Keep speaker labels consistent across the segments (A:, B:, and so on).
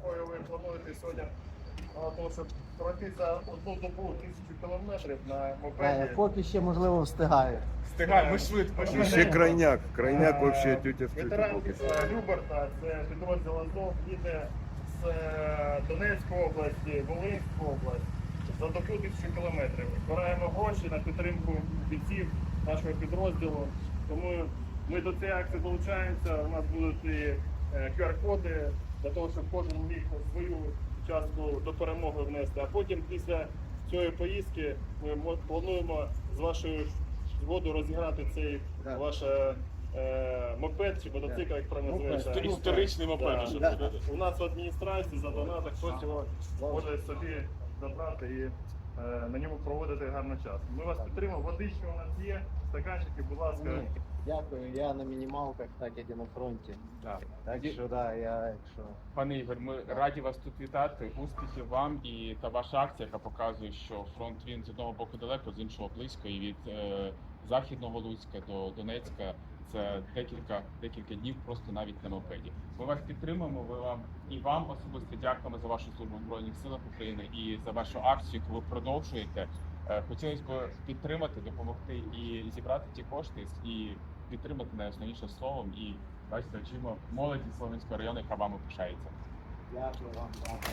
A: якою ви плануєте сьогодні, тому що пройти за одну добу 1000 кілометрів на мопеді.
B: Поки ще, можливо, встигаю.
C: Встигай, ми швидко.
A: Ми
D: Ще крайняк. Крайняк вообще тютя в
A: Ветеранки з Люберта, це підрозділ Азов, їде з Донецької області, Волинської області за добу 1000 кілометрів. Збираємо гроші на підтримку бійців нашого підрозділу. Тому ми до цієї акції долучаємося. У нас будуть і QR-коди для того, щоб кожен міг свою частку до перемоги внести. А потім після цієї поїздки ми плануємо з вашою згодою розіграти цей ваш мопед чи мотоцикл, як правильно називається.
C: Історичний мопед. Що
A: Да. У нас в адміністрації за донаток хтось його може собі забрати і на ньому проводити гарний час. Ми вас підтримуємо, водичка у нас є, стаканчики, будь ласка.
B: Дякую, я на мінімалках, так як і на фронті.
C: Да.
B: Так що, да, якщо...
C: Пане Ігор, ми раді вас тут вітати. Успіхів вам і та ваша акція, яка показує, що фронт він з одного боку далеко, з іншого близько. І від Західного Луцька до Донецька це декілька днів просто навіть на мопеді. Ми вас підтримуємо. Вам особисто дякуємо за вашу службу в Збройних силах України і за вашу акцію, яку ви продовжуєте. Хотілося б підтримати, допомогти і зібрати ті кошти, і підтримати найосновніше словом. І бачите, очима молоді Слов'янського району, яка вами пишається.
B: Дякую вам.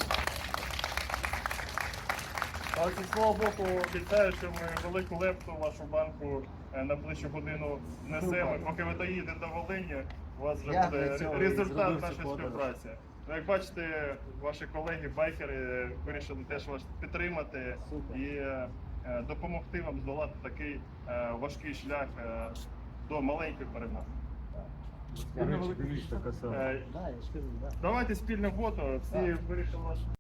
A: Але зі свого боку обіцяю, що ми велику лепту в вашу банку на найближчу годину внесемо. Поки ви доїдете до Волині, у вас вже
B: Я
A: буде
B: для цього і
A: результат
B: зробив
A: нашої
B: цю подорож.
A: співпраці. Ну, як бачите, ваші колеги-байкери вирішили теж вас підтримати
B: Супер.
A: і допомогти вам здолати такий важкий шлях до маленької перемоги.
B: Да, я ж кажу, да.
A: Давайте спільне фото, всі вирішили ваш.